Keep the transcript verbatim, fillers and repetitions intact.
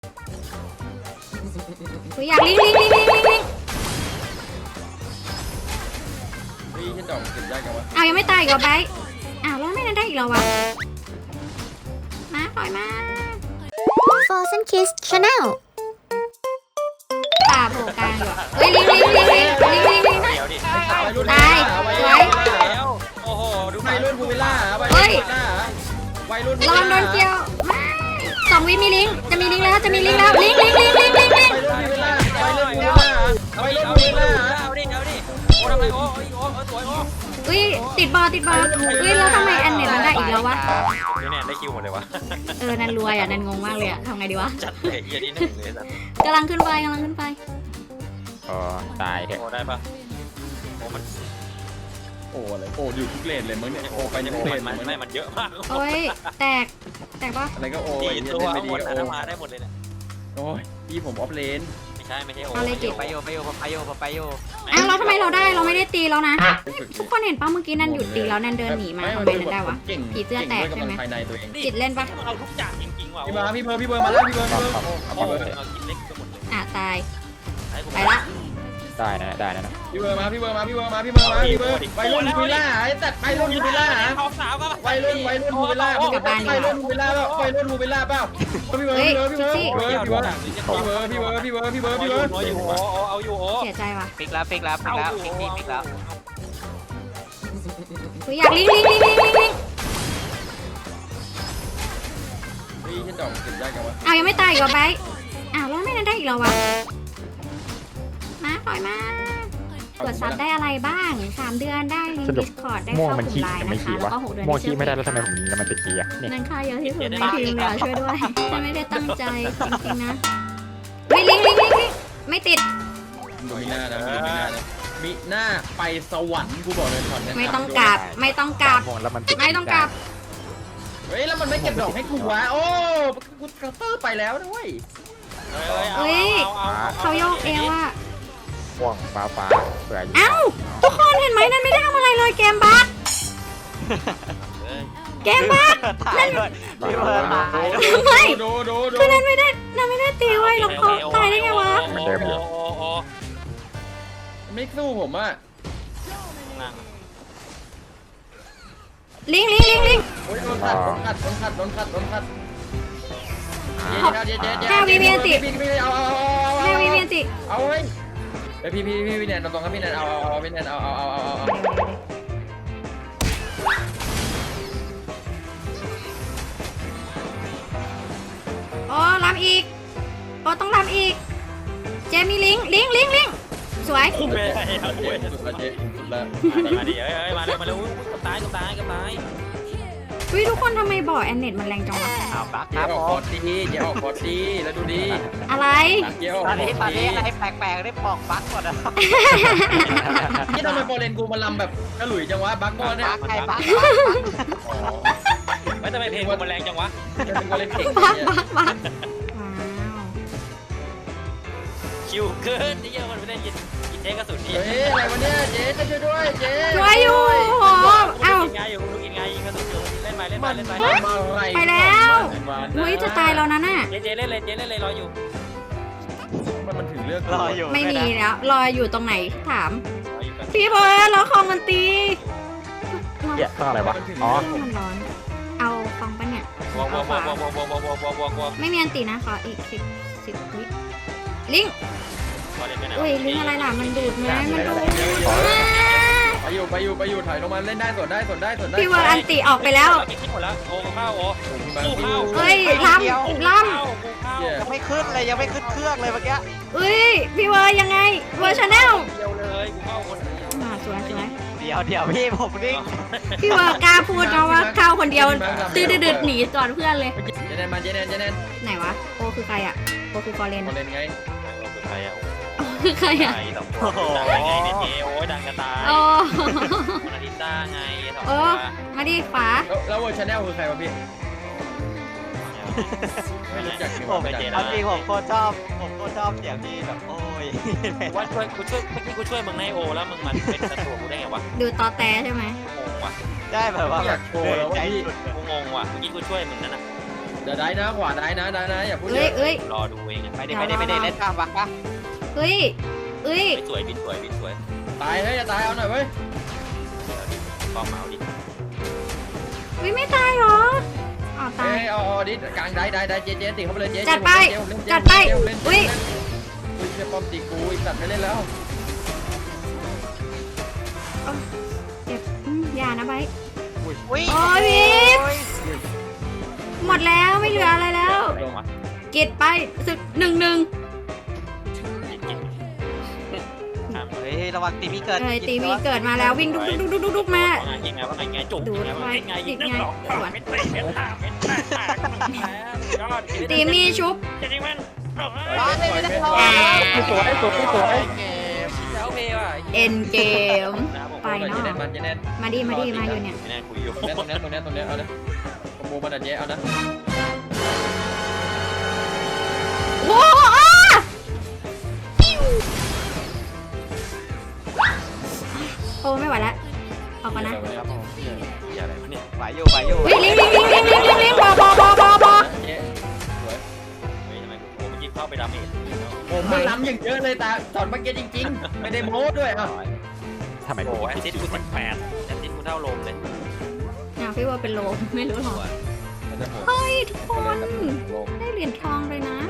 กูอยากลิงลิงลิงลิงลิงลิงพี่ฉันดอกเก็บได้กันวะอ้าวยังไม่ตายอีกเหรอไบร์ทอ้าวแล้วไม่ได้อีกเหรอวะมาปล่อยมา Frozen Kiss Channel ป่าโผล่กลางอยู่อะเฮ้ยลิงลิงลิงลิงลิงลิงลิงนะเดี๋ยวดิตายสวยแล้วโอ้โหดูวัยรุ่นภูวิลล่าวัยเฮ้รุ่นยภูวิลล่าวัยรุ่นระวังโดนเกี่ยวไม่สองวิมีลิงจะมีลิงแล้วจะมีลิงแล้วลิงลิงลิงลิงลิงลิงวัยรุ่นภูวิลล่าวัยรุ่นภูวิลล่าวัยรุ่นภูวิลล่าเอาดิเอาดิโอ้ทำไมโอ้โอ้โอ้สวยโอ้อุ้ยติดบอลติดบอลอุ้ยแล้วทำไมแอนเน็ตมันได้อีกแล้ววะนี่เนี่ยได้คิวหมดเลยวะเออนันรวยอ่ะนันงงมากเลยอ่ะทำไงดีวะจัดเลยเฮียนี่หนึ่งเลยสัตว์กำลังขึ้นไปกำลังขึ้นไปอ๋อตายเถอะโอ้ได้ปะโอ้มันโอ้อะไรโอ้อยู่ทุกเลนเลยมึงเนี่ยโอ้ไปยังโอ้ทุกเลมันนมันไม่มันเยอะมากโอ้ยแตกแตกปะอะไรก็โอ้ตียเนี่ยตัวเล่นเอาไม่ดีหมดก็นะโอ้มาได้หมดเลยเนี่ยโอ้ยพี่ผมออฟเลนไม่ใช่ไม่ใช่โอ้เอาเลยเก็บไปโยไปโยไปโยไปโยอ้าวเราทำไมเราได้เราไม่ได้ตีแล้วนะทุกคนเห็นปะเมื่อกี้นันหยุดตีแล้วนันเดินหนีมาทำไมนันได้วะเก่งผีเสื้อแตกใช่ไหมภายในตัวเองจิตเล่นปะเอาทุกอย่างจริงๆว่ะพี่เบิร์ดพี่เบิร์ดพี่เบิร์ดมาแล้วพี่เบิร์ดพี่เบิร์ดโอ้เอากินเล็กไปหมดเลยอ่ะตายไปไปละได้นะได้นะพี่เบิร์ดมาพี่เบิร์ดมาพี่เบิร์ดมาพี่เบิร์ดมาพี่เบิร์ดวัยรุ่นภูวิลล่าไอ้ตัดวัยรุ่นภูวิลล่าท้องสาวก็วัยรุ่นวัยรุ่นภูวิลล่าวัยรุ่นภูวิลล่าเปล่าวัยรุ่นภูวิลล่าเปล่าพี่เบิร์ดพี่เบิร์ดพี่เบิร์ดพี่เบิร์ดพี่เบิร์ดพี่เบิร์ดพี่เบิร์ดพี่เบิร์ดพี่เบิร์ดพี่เบิร์ดโอ้อยู่โอ้เอาอยู่โอ้เสียใจว่ะปิกแล้วปิกแล้วปิกแล้วปิกนี่ปิกแล้วกูอยากลิงลิงลิงลิงลิงลิงพี่ฉันดอกเก็บได้กันวะอ้าวยังไม่ตายอีกเหรอไบร์ทอ้าวแล้วไม่ได้อีกเหรอวะมาปล่อยมาตรวจซับได้อะไรบ้างสามเดือนได้ลิงก์ดิสคอร์ดได้ม่วงเข้ากมันลุ่ขี้มไลน์แต่ไม่นะคะขี้แล้ววะก็หกเดือนม่วงที่ขี้ไม่ได้เชื่แล้วทำไมผมยิงแล้วมันติดขี้อ่ะเนี่ยนั่นค่าเยอะที่สุดในทีมเลยอ่ะช่วยด้วยฉันไม่ได้ตั้งใจจริงๆนะเฮ้ยลิงลิงลิงลิงไม่ติดดูมีหน้านะมีหน้านะมีหน้าไปสวรรค์กูบอกเลยก่อนเนี่ยไม่ต้องกราบไม่ต้องกราบม่วงแล้วมันติดไม่ต้องกราบเฮ้ยแล้วมันไม่เก็บดอกให้กูวะโอ้กูกระเตอร์ไปแล้วด้วยเขาโยกเอวอ่ะม่วงฟ้าฟ้าเผื่ออยู่เอ้าทุกคนเห็นไหมนั่นไม่ได้ทำอะไรเลยเกมบั๊กเกมบั๊กตายด้วยพี่เบิร์ดตายด้วยไม่ดูดูดูคือนั่นไม่ได้นั่นไม่ได้ตีไว้แล้วเขาตายได้ไงวะโอ้โอ้ไม่สู้ผมอ่ะลิงลิงลิงลิงโอ้ยโดนขัดโดนขัดโดนขัดโดนขัดโดนขัดเจ๊เจ๊เจ๊แค่วิเมียนติพี่พี่เอาเอาเอาเอาแม่วิเมียนติเอาเฮ้ยไอพี่พี่พี่พี่แนนตรงครับพี่แนนเอาเอาเอาพี่แนนเอาเอาเอาเอาเอาอ๋อลำอีกอ๋อต้องลำอีกเจมีลิงลิงลิงลิงสวยคุ้มเลยเอาเจ๊ด้วยสุดละเจ๊สุดละมาดิเอ้ยมาเลยมาเลยกับตายกับตายกับตายวิทุกคนทำไมบ่อแอนเน็ตมันแรงจังวะเอาบักคเจ๊รับออกผคอมร์ดดีเจ๊ออกคอร์ดดีแล้วดูดีอะไรเจ๊ออกตอนคอนี้ร์ดตอนนี้ดีอะไรแปลกๆได้ปอกบักหมดอ่ะนี่ทำไมโปรเลนกูมาลำแบบกระหลุยจังวะบักบอลเนี่ยบักไงบักอ๋อไม่ทำไมเพลงมันแรงจังวะเป็นโปรเลนเก่งบักเนี่ยบักบักว้าวคิวเกินที่เยอะมันไม่ได้ยินยินเทกระสุนนี่เฮ้ยอะไรวะเนี่ยเจ๊จะช่วยด้วยเจ๊ช่วยอยู่โหเอ้ากินไงอยู่ลูกกินไงยิงกระสุนอยู่เล่นไปเล่นไปเล่นไปมาอะไรไปแล้วเฮ้ยจะตายแล้วนะน่ะเจเจเล่นเลยเจเล่นเลยรออยู่มันมันถึงเลือกรออยู่ไม่มีแล้วรออยู่ตรงไหนถามรออยู่กันพี่เบิร์ดแล้วคองมันตีเหี้ยต้องอะไรวะอ๋อมันร้อนเอาคองปะเนี่ยวัววัววัววัววัววัววัววัววัววัวไม่มีอันตีนะขออีกสิบสิบวิลิงอุ้ยลิงอะไรล่ะมันดูดไหมมันดูดไปอยู่ไปอยู่ไปอยู่ถ่ายลงมาเล่นได้สดได้สดได้สดได้พี่เบิร์ดอันตีออกไปแล้วกินหมดแล้วโอ้ข้าวโอ้เฮ้ยล้ำล้ยังไม่ขึ้นเลยยังไม่ขึ้นเครื่องเลยเมื่อกี้ำเฮ้ยพี่เบิร์ดยังไงเวอร์ชแนลเดียวเลยกูเข้าคนอ่าสวยสวยเดี๋ยวเดี๋ยวพี่ผมนิ่งพี่เบิร์ดกล้าพูดนะว่าเข้าคนเดียวตื้อดืดหนีก่อนเพื่อนเลยเจเนนมาเจเนนเจเนนไหนวะโอคือใครอ่ะโอคือฟอร์เรนโปรเลนไงคือใครอ่ะโอคือใครอ่ะสองตัวดังไงเนี่ยเจโอ้ยดังกระตายโอ้นาริต้าไงสองโอ้ตัวมาดิขวาแล้วเวอร์ชันแนลคือใครวะพี่ไม่รู้จักผมไม่จจักริงผมโคตรชอบผมโคตรชอบเสียงที่แบบโอ้ยว่าช่วยกูช่วยเมื่อกี้กูช่วยมึงในโอแล้วมึงมันเป็นศัตรูกูได้ไงวะดูตอแตใช่ไหมงงว่ะได้แบบว่าอยากโชว์แล้วว่าพี่กูงงว่ะเมื่อกี้กูช่วยมึงนั่นน่ะเดี๋ยวได้นะขวาได้นะได้นะอย่าพูดเยเอ้ยอะเอ้ยรอดูเองอะไปดิไปดิไปดิเล่นข้ามบักปะเอ้ยเอ้ยบินสวยบินสวยบินสวยตายเฮ้ยจะตายเอาหน่อยเว้ยกองเมาดิเฮ้ยไม่ตายเหรออ๋อตาเฮ้ยยเอาเอาดิกลางได้ได้ได้เจ๊เจ๊ตีเข้าไปเลยเจ๊จัดไปเจ๊เล่นเจ๊จัดไปเจ๊เล่นอุ๊ยอุ้ยเจ๊ป้อมตีกูอีสัตว์ไม่เล่นแล้วเจ็บอืมอย่านะไบร์ทอุ้ยโอ้ยวิบ หมดแล้วไม่เหลืออะไรแล้วอะไรวะกิดไปสึกหนึ่งหนึ่งกินกินทำเฮ้ยระวังตีมีเกิดเอ้ยตีวีเกิดมาแล้ววิ่งดุกดุกดุกดุกดุกมาว่าไงยังไงว่าไงไงจุกดูดไงว่าไว้ไงติยิดงไงหรอกสวนเม็ดเตะเม็ดตาเม็ดตาตายอดตีมีชุบจะยิงมันร้อนเลยไม่ได้รอสวยสวยสวยแล้วเพย์ว่ะเอ็นเกม ไปเจ๊เนาะแน่นมันเจ๊แน่นมาดีมาดีมาอยู่เนี่ยไม่น่าคุยอยู่ตรงนี้ตรงนี้ตรงนี้ตรงนี้เอาเลยขโมยมันอ่ะเจ๊เอานะโอ้โหอ้าโอ้ไม่ไหวแล้วออกก่อนนะครับผมอย่าอะไรวะเนี่ยไหวอยู่ไหวอยู่เฮ้ยลิงลิงลิงลิงลิงลิงลิงบอบอบอบอบอเจ๊สวยเฮ้ยทำไมโอ้เมื่อกี้เข้าไปดาเมจผมมันล้ำอย่างเยอะเลยตาตอนเมื่อกี้จริงๆ ไม่ได้โม้ด้วยอ่ะทำไมโอ้แอสซิสต์กูสิบแปดแอสซิสต์กูเท่าโลมเลยอ่ะพี่ว่าเป็นโลมไม่รู้หรอกมันจะโหดเฮ้ยทุกคนได้เหรียญทองเลยนะ